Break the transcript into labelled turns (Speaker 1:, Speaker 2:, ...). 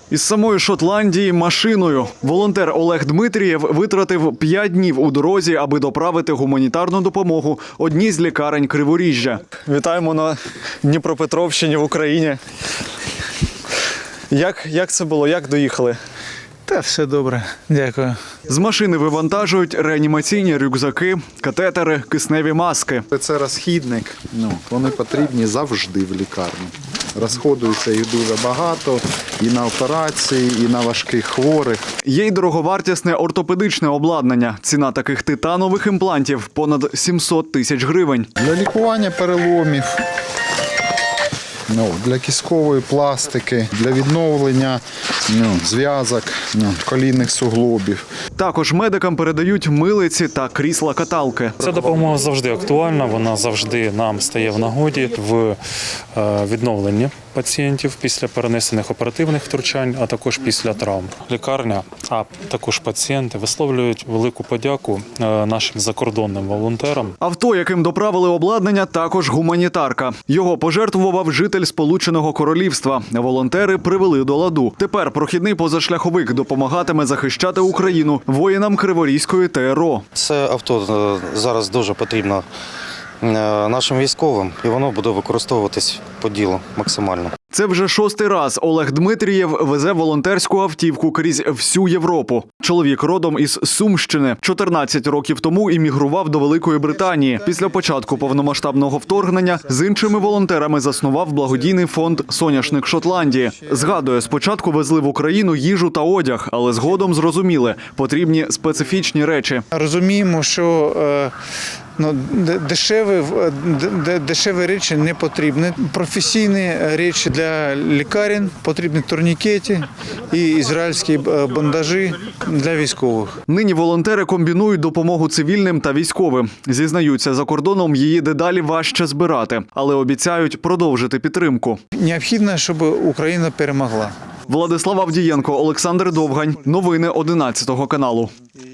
Speaker 1: Із самої Шотландії машиною. Волонтер Олег Дмитрієв витратив 5 днів у дорозі, аби доправити гуманітарну допомогу одній з лікарень Криворіжжя. Вітаємо на Дніпропетровщині в Україні. Як це було? Як доїхали?
Speaker 2: Та все добре, дякую.
Speaker 1: З машини вивантажують реанімаційні рюкзаки, катетери, кисневі маски.
Speaker 3: Це розхідник, вони потрібні завжди в лікарні. Розходується їх дуже багато і на операції, і на важких хворих.
Speaker 1: Є й дороговартісне ортопедичне обладнання. Ціна таких титанових імплантів – понад 700 тисяч гривень.
Speaker 3: Для лікування переломів, для кісткової пластики, для відновлення зв'язок, колінних суглобів.
Speaker 1: Також медикам передають милиці та крісла-каталки.
Speaker 4: Ця допомога завжди актуальна, вона завжди нам стає в нагоді в відновленні пацієнтів після перенесених оперативних втручань, а також після травм. Лікарня, а також пацієнти висловлюють велику подяку нашим закордонним волонтерам.
Speaker 1: Авто, яким доправили обладнання, також гуманітарка. Його пожертвував житель Сполученого Королівства. Волонтери привели до ладу. Тепер прохідний позашляховик допомагатиме захищати Україну воїнам Криворізької ТРО.
Speaker 5: Це авто зараз дуже потрібно нашим військовим, і воно буде використовуватись по ділу максимально.
Speaker 1: Це вже 6-й раз Олег Дмитрієв везе волонтерську автівку крізь всю Європу. Чоловік родом із Сумщини. 14 років тому іммігрував до Великої Британії. Після початку повномасштабного вторгнення з іншими волонтерами заснував благодійний фонд «Соняшник Шотландії». Згадує, спочатку везли в Україну їжу та одяг, але згодом зрозуміли – потрібні специфічні речі.
Speaker 2: Розуміємо, що дешеві речі не потрібні. Професійні речі для лікарень, потрібні турнікети і ізраїльські бандажі для військових.
Speaker 1: Нині волонтери комбінують допомогу цивільним та військовим. Зізнаються, за кордоном її дедалі важче збирати, але обіцяють продовжити підтримку.
Speaker 2: Необхідно, щоб Україна перемогла.
Speaker 1: Владислав Авдієнко, Олександр Довгань. Новини 11 каналу.